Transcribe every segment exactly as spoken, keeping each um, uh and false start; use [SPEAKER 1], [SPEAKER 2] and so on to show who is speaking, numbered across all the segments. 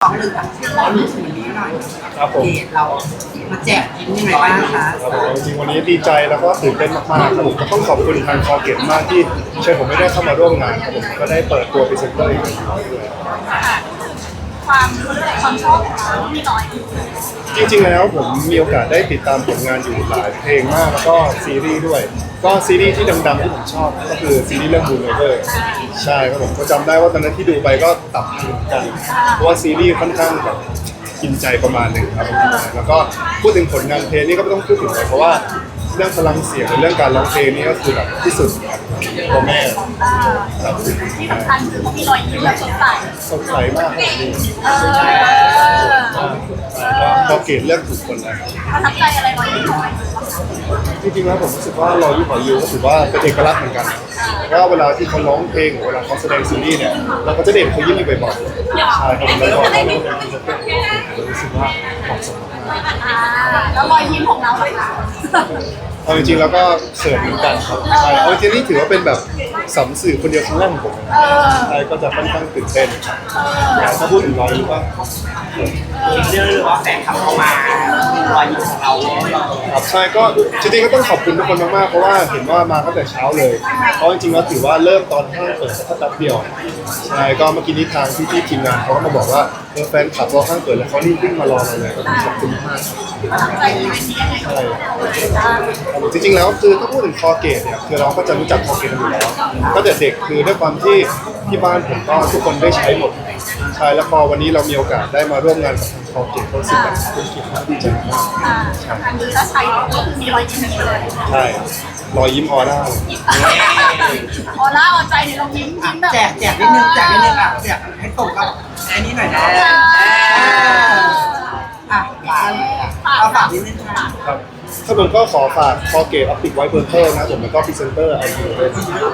[SPEAKER 1] องหนึ่งกับร้อนหนึ่งถึงวันนี้หน่อย
[SPEAKER 2] ครับผม
[SPEAKER 1] เดทเรามาแจกยิ้มยังไงบ้างคะ
[SPEAKER 2] ครับผมจริงๆวันนี้ดีใจแล้วก็ตื่นเต้นมากๆครับผมก็ต้องขอบคุณทางคอเกตมากที่เชิญผมไม่ได้เข้ามาร่วมงานครับผมก็ได้เปิดตัวพรีเซนเตอร์อีกหนึ่งครั้งด้วย
[SPEAKER 3] ความความชอบของเรามีน้อย
[SPEAKER 2] จริงๆแล้วผมมีโอกาสได้ติดตามผลงานอยู่หลายเพลงมากแล้วก็ซีรีส์ด้วย ก็ซีรีส์ที่ดังๆที่ผมชอบก็คือซีรีส์เรื่อง Blue River ใช่ครับผมก็จำได้ว่าตอนนั้นที่ดูไปก็ตับถึงกันเพราะว่าซีรีส์ค่อนข้างแบบกินใจประมาณหนึ่งครับผมแล้วก็พูดถึงผลงานเพลงนี่ก็ไม่ต้องพูดถึงเลยเพราะว่าเรื่องพลังเสียงหรือเรื่องการร้องเพลงนี่ก็คือแบบที่สุดครับตัวแม่ครับ
[SPEAKER 3] ที่สำคัญคือเขามีรอยยิ้มแบบสดใส
[SPEAKER 2] สดใสมากครับนี่
[SPEAKER 3] เออ
[SPEAKER 2] พอเกตเลือกถูกคนแล้ว
[SPEAKER 3] ประทับใจอะไรรอยยิ้มของเรา
[SPEAKER 2] จริงๆแล้วผมรู้สึกว่ารอยยิ้มของยูก็ถือว่าเป็นเอกลักษณ์เหมือนกันเพราะว่าเวลาที่เขาร้องเพลงหรือเวลาเขาแสดงซีรีส์เนี่ยเราก็จะเด่นเขายิ้มอยู่บ่อยๆใช่ครับแล้วก็เขาเป็นผมรู้สึกว่าเหมาะสมมาก
[SPEAKER 3] อ่าแล้วรอยยิ้มของเราเลยค่ะ
[SPEAKER 2] เอาจริงๆแล้วก็เขินเหมือนกันครับใช่เอาจริงๆนี่ถือว่าเป็นแบบสัมสื่อคนเดียวครั้งแรกของผมนะใช่ก็จะค่อนข้างตื่นเต้นถ้าพูดถึงรอยยิ้มว่า
[SPEAKER 1] อีกเรื่องหรือว่าแฟนคลับเข้ามารอยยิ้มของเรา
[SPEAKER 2] ครับใช่ก็จริงๆก็ต้องขอบคุณทุกคนมากๆเพราะว่าเห็นว่ามาตั้งแต่เช้าเลยเพราะจริงๆแล้วถือว่าเริ่มตอนห้างเปิดแค่แป๊บเดียวใช่ก็เมื่อกี้นี้ทางพี่ๆทีมงานเขาก็มาบอกว่าเออแฟนคลับเราห้างเปิดแล้วเขารีบวิ่งมารอเราเลยก็ต้องขอบคุณมาก
[SPEAKER 3] ประทับใจอีเวนต์นี้ยังไง
[SPEAKER 2] ใช่จริงๆแล้วคือถ้าพูดถึงคอเกตเนี่ยคือเราก็จะรู้จักคอเกตกันอยู่แล้วก็แต่เด็กคือด้วยความที่ที่บ้านผมก็ทุกคนได้ใช้หมดใช่แล้วพอวันนี้เรามีโอกาสได้มาร่วมงานกับทางคอเกตก็รู้สึกแบบเป็นเกียรติมากดีใจมาก
[SPEAKER 3] อ่าอันนี้ถ้าใช้ก็คือมีรอยยิ้มอย่างนี้เลย
[SPEAKER 2] ใช่รอยยิ้มออร่า
[SPEAKER 3] ออร่าออใจเนี่ยเรายิ้มยิ้มแบบ
[SPEAKER 1] แจกแจกนิดนึงแจกนิดนึงอ่ะแจกให้ตรงกับอันนี้หน่อยนะอ่ะเอาฝากนิดนึงค่ะ
[SPEAKER 2] ครับถ้าผมก็ขอฝากคอเกตออปติกไวท์เบอร์เทอร์นะผมแล้วก็พรีเซนเตอร์ไอทีด้วย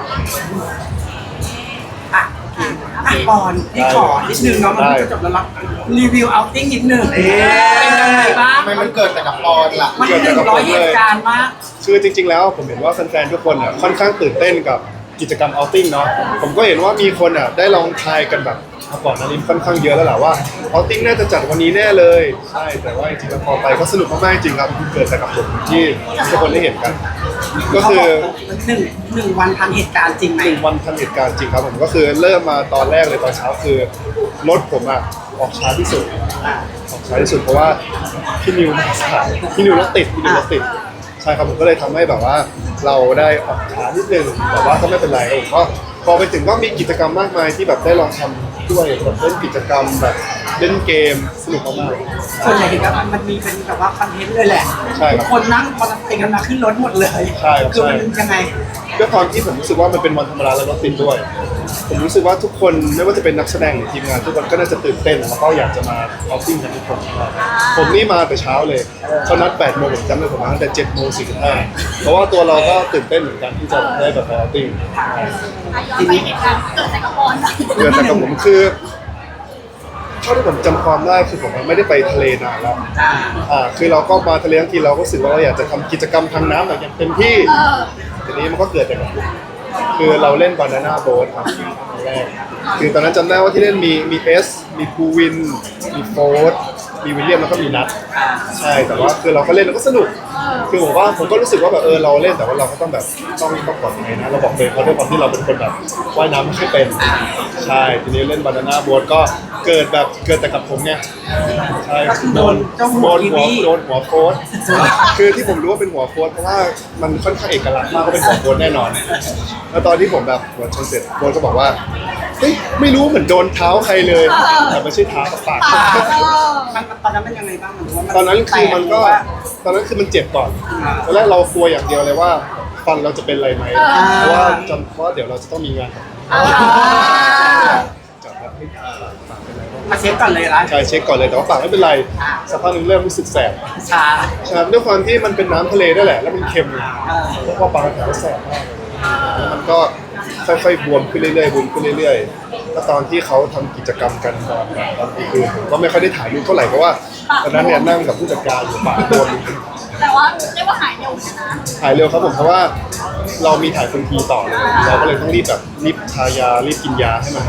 [SPEAKER 1] อ่ะอ่ะปอนที่ขอนิดนึงเนาะมันจะจบแล้วรับรีวิวเอาติ้งนิดนึงเป็นยังไงบ้าง
[SPEAKER 4] ทำไมมันเกิดแต่กับปอนล่ะ
[SPEAKER 1] มันหนึ่งร้อยเหตุการณ์มาก
[SPEAKER 2] คือจริงๆแล้วผมเห็นว่าแฟนๆทุกคนอ่ะค่อนข้างตื่นเต้นกับกิจกรรมเอาติ้งเนาะผมก็เห็นว่ามีคนอ่ะได้ลองทายกันแบบก่อนหน้านี้ค่อนข้างเยอะแล้วแหละว่าเอาติ้งน่าจะจัดวันนี้แน่เลยใช่แต่ว่าจริงๆแล้วพอไปก็สนุกมากๆจริงครับเกิดแต่กับผมที่ทุกคนได้เห็นกัน ก็คือ
[SPEAKER 1] หนึ่งหนึ่งวันทันเหตุการณ์จริงไหม
[SPEAKER 2] หนึ่งวันทันเหตุการณ์จริงครับผมก็คือเริ่มมาตอนแรกเลยตอนเช้าคือรถผมอ่ะออกช้าที่สุดออกช้าที่สุดเพราะว่าพี่นิวมาสายพี่นิวรถติดพี่นิวรถติดใช่ครับผมก็เลยทำให้แบบว่าเราได้ออกช้านิดนึงแต่ว่าก็ไม่เป็นไรผมก็พอไปถึงก็มีกิจกรรมมากมายที่แบบได้ลองทำด้วยแบบเล่นกิจกรรมแบบเล่นเกมสนุกมากๆ
[SPEAKER 1] ส่วนใหญ่เห็นว่ามันมีเป็นแบบว่าคอนเทนต์เลยแหละ
[SPEAKER 2] ใช่ครับ
[SPEAKER 1] คนนั่งคอนเทนต์กันมาขึ้นรถหมดเลย
[SPEAKER 2] ใช่ครับ
[SPEAKER 1] คือมัน
[SPEAKER 2] ใช่
[SPEAKER 1] ยังไง
[SPEAKER 2] ด้วยความที่ผมรู้สึกว่ามันเป็นวันธรรมดาและรถติดด้วย ผมรู้สึกว่าทุกคนไม่ว่าจะเป็นนักแสดงหรือทีมงานทุกคนก็น่าจะตื่นเต้นแล้วก็อยากจะมาออฟติ้งกันทุกคนผมนี่มาแต่เช้าเลยเขานัดแปดโมงผมจำได้ผมมาตั้งแต่เจ็ดโมงสี่สิบห้าเพราะว่าตัวเราก็ตื่นเต้นเหมือนกันที่จะได้แบบไปออฟติ้ง
[SPEAKER 3] ย้อนไปเหตุการณ์เกิดแต่กับบอล
[SPEAKER 2] เดือนแต่กับผมคือเท่าที่ผมจำความได้คือผมไม่ได้ไปทะเลนานแล้วอ่าคือเราก็มาทะเลทั้งทีเราก็รู้สึกว่าเราอยากจะทำกิจกรรมทางน้ำอย่างเต็มที่
[SPEAKER 3] เออ
[SPEAKER 2] ทีนี้มันก็เกิดแต่กับผมคือเราเล่นบานาน่าโบ๊ทครับครั้งแรกคือตอนนั้นจำได้ว่าที่เล่นมีมีเอสมีภูวิน มีโฟร์มีวิลเลียมแล้วก็มีนัทใช่แต่ว่าคือเราก็เล่นแล้วก็สนุก คือผมว่าผมก็รู้สึกว่าแบบเออเราเล่นแต่ว่าเราก็ต้องแบบต้องต้องปลอดภัยนะเราบอกเลยเพราะด้วยความที่เราเป็นคนแบบว่ายน้ำไม่ค่อยเป็นใช่ทีนี้เล่นบานาน่าโบ๊ทก็เกิดแบบเกิดแต่กับผมไงใช่
[SPEAKER 1] ก็คือโดนเจ้าหั
[SPEAKER 2] โด
[SPEAKER 1] วน ที
[SPEAKER 2] หัว
[SPEAKER 1] วี
[SPEAKER 2] โดนหัวโค้ดคือที่ผมรู้ว่าเป็นหัวโค้ดเพราะว่ามันค่อนข้างเอกลักษณ์มากก็เป็นหัวโค้ดแน่นอน แล้วตอนที่ผมแบบหัวชนเสร็จโค้ดก็บอกว่าเฮ้ยไม่รู้เหมือนโดนเท้าใครเลยแต่ไม่ใช่เท้ากับปาก
[SPEAKER 1] มันตอนนั้นเป็นยังไงบ้างมันว่า
[SPEAKER 2] ตอนนั้นคือมันก็
[SPEAKER 1] แตว่า
[SPEAKER 2] ตอนนั้นคือมันเจ็บก่อนตอนแรกเรากลัวอย่างเดียวเลยว่าฟันเราจะเป็นอะไรไหมเพราะว่าจำเพราะเดี๋ยวเราจะต้องมีงาน
[SPEAKER 3] อ่า
[SPEAKER 2] จับแบบให้ปากเป็นไรบ้าง
[SPEAKER 1] มาเช็คก่อนเลยนะ
[SPEAKER 2] ใช่เช็คก่อนเลยแต่ว่าปากไม่เป็นไรสักพักหนึงเริ่มรู้สึกแสบ
[SPEAKER 1] ชา
[SPEAKER 2] ใช่ด้วยความที่มันเป็นน้ำทะเลด้วยแหละแล้วมันเค็มแล้วพอปากมันแผลแสบมากแล้วมันก็ค่อยๆบวมขึ้นเรื่อยๆบวมขึ้นเรื่อยๆแล้วตอนที่เขาทำกิจกรรมกันตอนตอนกลางคืนผมก็ไม่ค่อยได้ถ่ายรูปเท่าไหร่เพราะว่าตอนนั้นเนี่ยนั่งกับผู้จัดการอยู่ปากบวม
[SPEAKER 3] แต่ว่าเรียกว่าหายเร็วนะ
[SPEAKER 2] ถ่ายเร็วครับผมเพราะว่าเรามีถ่ายคนทีต่อเลยเราก็เลยต้องรีบแบบรีบทายารีบกินยาให้มันให้มันหาย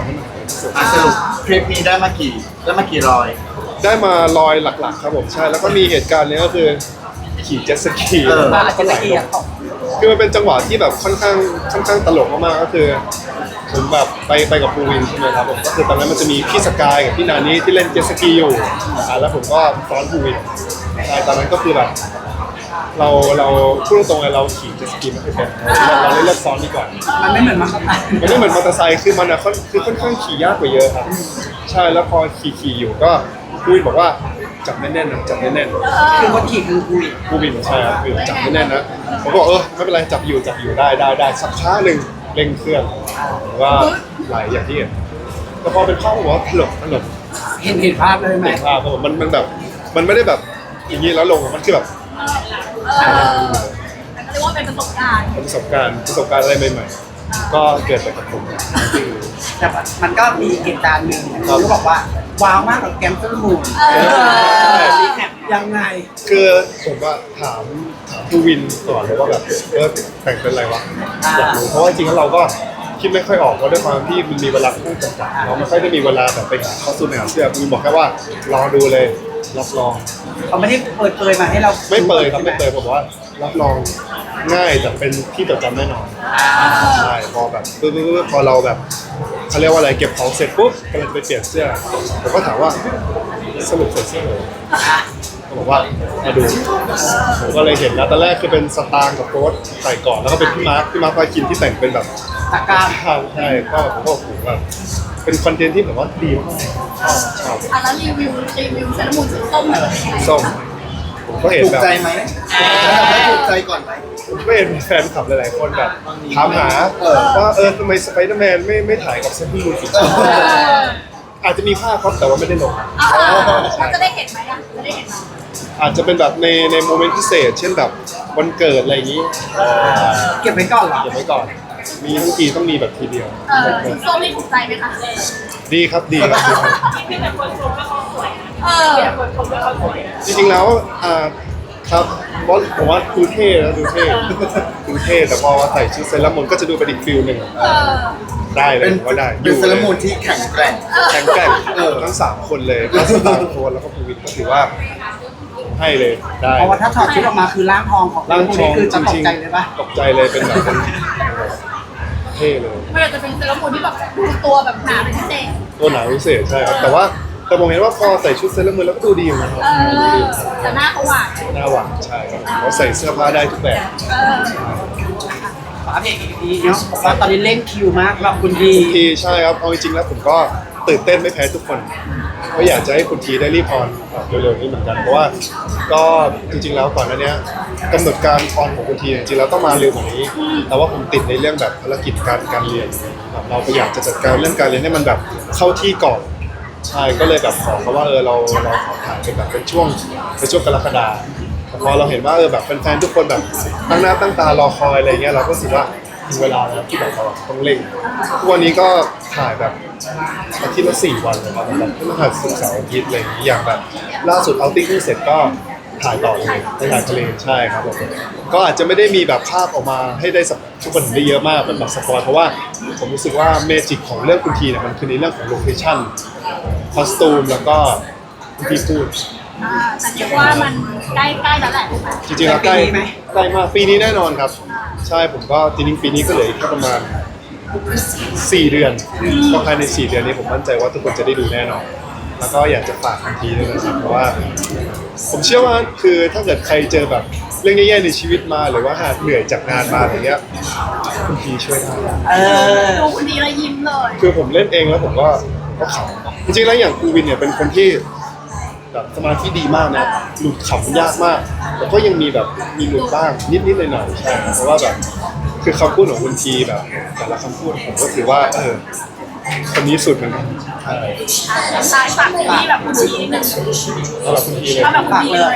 [SPEAKER 2] ที่สุด
[SPEAKER 4] อ่ะสรุปทริปนี้ได้มากี่ได้มากี่รอย
[SPEAKER 2] ได้มาลอยหลักๆครับผมใช่แล้วก็มีเหตุการณ์เนี้ยก็คือขี่เจ็ตสกี
[SPEAKER 4] เออ
[SPEAKER 1] มาอาจจะละเอียด
[SPEAKER 2] คือมันเป็นจังหวะที่แบบค่อนข้างค่อนข้างตลกมากๆก็คือผมแบบไปไปกับภูวินใช่ไหมครับผมก็คือตอนนั้นมันจะมีพี่สกายกับพี่นานี่ที่เล่นเจ็ตสกีอยู่อ่าแล้วผมก็ซ้อนภูวินใช่ตอนนั้นก็คือแบบเราเราพูดตรงๆเลยเราขี่เจ็ตสกีไม่ค่อยเป็นเราเราเลยเลือกซ้อนดีกว่า
[SPEAKER 1] มันไม่เหมือนมาขับ
[SPEAKER 2] มันไม่เหมือนมอเตอร์ไซค์คือมันอะค่อนคือค่อนข้างขี่ยากกว่าเยอะครับ ใช่แล้วพอขี่ขี่อยู่ก็ภูวินบอกว่าจับแน่นๆนะจับแน่นๆ
[SPEAKER 1] คือคนขี่คือคุย
[SPEAKER 2] ภูวินใช่ครับคือจับแน่นๆนะผมก็บอกเออไม่เป็นไรจับอยู่จับอยู่ได้ได้ได้สักพักหนึ่งเร่งเครื่องว่าไหลอย่างที่เห็นแต่พอเป็นข้อผมว่าตลกตลก
[SPEAKER 1] เห็นเห็นภาพเลยไหม
[SPEAKER 2] เห็นภาพครับผมมันมันแบบมันไม่ได้แบบอย่างนี้แล้วลงมันคือแบบ
[SPEAKER 3] เออแต่ก็เรียกว่าเป็นประสบการณ์
[SPEAKER 2] ประสบการณ์ประสบการณ์อะไรใหม่ๆก็เกิดจากกับผมจริง
[SPEAKER 1] แต่ว่ามันก็มีเหตุการณ์หนึ่งที่บอกว่าว้าวมากกับแกมเซอร์มูนรีแคปยังไง
[SPEAKER 2] คือผมว่าถามถามภูวินก่อนเลยว่าแบบเออแต่งเป็นอะไรวะอยากรู้เพราะว่าจริงๆแล้วเราก็คิดไม่ค่อยออกเพราะด้วยความที่มันมีเวลาค่อนข้างจำกัดเราไม่ค่อยได้มีเวลาแบบไปหาข้อสูตรหาเสื้อภูวินบอกแค่ว่ารอดูเลยรับรอง
[SPEAKER 1] เขาไม่ได้เปิดเผยมาให้เรา
[SPEAKER 2] ไม่เปิดครับไม่เปิดผมบอกว่ารับรองง่ายแต่เป็นที่จดจำแน่นอนใช่พอแบบปึ๊บปึ๊บปึ๊บพอเราแบบเขาเรียกว่าอะไรเก็บของเสร็จปุ๊บกำลังจะไปเปลี่ยนเสื้อผมก็ถามว่าสรุปใส่เสื้อเลยเขาบอกว่ามาดูผมก็เลยเห็นแล้วตอนแรกคือเป็นสตางค์กับโค้ดใส่ก่อนแล้วก็เป็นพี่มาร์คพี่มาร์คพาคินที่แต่งเป็นแบบ
[SPEAKER 1] ตะกร้า
[SPEAKER 2] ข้าวใช่ก็ผมก็โอ้โหแบบเป็นคอนเทนต์ที่แบบว่าดีมากชอบชอบ
[SPEAKER 3] อ่ะแล้วรีวิวรีวิวเซรามูนสีส้มหน่อยเป็นยังไง
[SPEAKER 2] ส้มผมก็เห็น
[SPEAKER 4] ถูก
[SPEAKER 2] แบบ
[SPEAKER 4] ใจไหมไม่ถูกใจก่อนไหม
[SPEAKER 2] ผมก็เห็นแฟนคลับหลายๆคนแบบถามหา
[SPEAKER 4] เออ
[SPEAKER 2] ว่าเออทำไมสไปเดอร์แมนไม่ไม่ถ่ายกับเซนต์มูนอีกอาจจะมีภาพครับแต่ว่าไม่ได้ลง
[SPEAKER 3] เออเราจะได้เห็นไหมอ่ะจะได้เห็นไหม
[SPEAKER 2] อาจจะเป็นแบบในในโมเมนต์พิเศษ เช่นแบบวันเกิดอะไรอย่างนี้
[SPEAKER 1] เก็บไว้ก่อนเหรอ
[SPEAKER 2] เก็บไว้ก่อน มีทั้งทีต้องมีแบบทีเดียว
[SPEAKER 3] เออสีส้มนี่ถูกใจไหมคะ
[SPEAKER 2] ดีครับดีครับดีครับ
[SPEAKER 3] เออ
[SPEAKER 2] จริงๆแล้วอ่าครับเพราะผมว่าดูเท่แล้วดูเท่ดูเท่แต่พอใส่ชุดเซเลอรามูนก็จะดูเป็นอีกฟิลหนึ่ง
[SPEAKER 3] เออ
[SPEAKER 2] ได้เลย
[SPEAKER 4] เป็น
[SPEAKER 2] ผมว่าได้
[SPEAKER 4] เป็นเซเลอรามูนที่แข็งแกร่ง
[SPEAKER 2] แข็งแกร่งเออทั้งสามคนเลยทั้งสตาร์โคนแล้วก็ภูวินก็ถือว่าให้เลยได้
[SPEAKER 1] เพราะว่าถ้าถอดชุดออกมาคือร่างทองของ
[SPEAKER 2] ร่างทอง
[SPEAKER 1] คือ
[SPEAKER 2] จ
[SPEAKER 1] จะต
[SPEAKER 2] ริ
[SPEAKER 1] ก
[SPEAKER 2] ง
[SPEAKER 1] ใจเลยปะ
[SPEAKER 2] ๆตกใจเลยเป็นแบบเป็นเท่เลย
[SPEAKER 3] ไม่ว่าจะเป็นเซรามูนที่แบบดูตัวแบบหนาเป็นพิเศษ
[SPEAKER 2] ตัวหนาพิเศษใช่ครับแต่ว่าแต่ผมเห็นว่าพอใส่ชุดเซเลอร์มูนแล้วก็ดูดีอยู่นะครับ
[SPEAKER 3] เออแต่หน้าเขาหวาน
[SPEAKER 2] หน้าหวานใช่ครับเขาใส่เสื้อผ้าได้ทุกแบบ
[SPEAKER 3] เออ
[SPEAKER 1] ฝาเพลงอีกทีเนาะบอกว่าตอนนี้เร่งคิวมากสำหรับคุณดี
[SPEAKER 2] คุณทีใช่ครับเอาจริงๆแล้วผมก็ตื่นเต้นไม่แพ้ทุกคนก็อยากจะให้คุณทีได้รีบออนเร็วๆนี้เหมือนกันเพราะว่าก็จริงๆแล้วก่อนหน้านี้กำหนดการออนของคุณทีจริงๆแล้วต้องมาเร็วกว่านี้ แต่ว่าผมติดในเรื่องแบบภารกิจการการเรียนแบบเราก็อยากจะจัดการเรื่องการเรียนให้มันแบบเข้าที่ก่อนใช่ก็เลยแบบขอเขาว่าเออเราเราขอถ่ายเป็นแบบเป็นช่วงเป็นช่วงกรกฎาคมแต่พอเราเห็นว่าเออแบบแฟนๆทุกคนแบบตั้งหน้าตั้งตารอคอยอะไรเงี้ยเราก็รู้สึกว่าถึงเวลาแล้วที่แบบเราต้องเร่งทุกวันนี้ก็ถ่ายแบบอาทิตย์ละสี่วันเลยครับแบบพฤหัสศุกร์เสาร์อาทิตย์อะไรอย่างนี้อย่างแบบล่าสุดเอาติ้งเสร็จก็ถ่ายต่อเลยไปถ่ายทะเลใช่ครับผมก็อาจจะไม่ได้มีแบบภาพออกมาให้ได้สักทุกคนเห็นได้เยอะมากเป็นแบบสปอยเพราะว่าผมรู้สึกว่าเมจิกของเรื่องคุณทีเนี่ยมันคือในเรื่องของโลเคชั่นคอสตูมแล้วก็ที่พูด
[SPEAKER 3] อ่าแต่เรียกว่ามันใกล้ใกล้แล้วแหละถูกไหม
[SPEAKER 2] จริงๆแล้วใกล้ใกล้มากปีนี้แน่นอนครับ ใช่ผมก็จริงๆปีนี้ก็เหลืออีกแค่ประมาณสี่เดือนก็ภายในสี่เดือนนี้ผมมั่นใจว่าทุกคนจะได้ดูแน่นอน แล้วก็อยากจะฝากทันทีด้วยนะครับเพราะว่า ผมเชื่อว่าคือถ้าเกิดใครเจอแบบเรื่องแย่ๆในชีวิตมาหรือว่าหากเหนื่อยจากงานมาอะไรเงี้ยคุณทีช่วยได้
[SPEAKER 1] เออ
[SPEAKER 3] ดูคนดีแล้วยิ้มเลย
[SPEAKER 2] คือผมเล่นเองแล้วผมก็ก็ขำจริงๆแล้วอย่างครูวินเนี่ยเป็นคนที่แบบสมาธิดีมากนะหลุดขำยากมากแต่ก็ยังมีแบบมีหลุดบ้างนิดๆหน่อยๆใช่เพราะว่าแบบคือคำพูดของคุณทีแบบแต่ละคำพูดผมก็ถือว่าเออคนนี้สุดเหมือนกันใช่
[SPEAKER 3] สายฝากที่แบบคนดีนิดนึง
[SPEAKER 2] สำหรับคุณทีเลย
[SPEAKER 3] ถ้าแบบคนดีเลย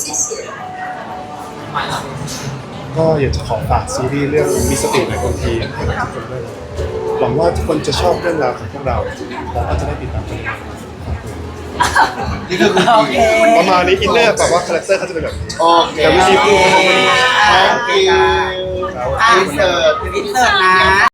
[SPEAKER 2] ก็อยากจะขอฝากซีรีส์เรื่องมีสติในคนทีให้กับทุกคนด้วยหวังว่าทุกคนจะชอบเรื่องราวของพวกเราแล้วก็จะได้ติดตามกัน
[SPEAKER 4] นี่คือคุณ
[SPEAKER 1] โอ
[SPEAKER 4] ที
[SPEAKER 1] เค
[SPEAKER 2] ประมาณนี้อินเนอร์แบบว่าคาแรคเตอร์เขาจะเป็นแบบนี้
[SPEAKER 4] โอเค
[SPEAKER 2] แต่วิธีพูดเขาเป็น
[SPEAKER 4] thank you
[SPEAKER 2] ครับ
[SPEAKER 1] อ่ะ
[SPEAKER 4] อินเสิร์ต
[SPEAKER 1] อินเสิร์ตนะ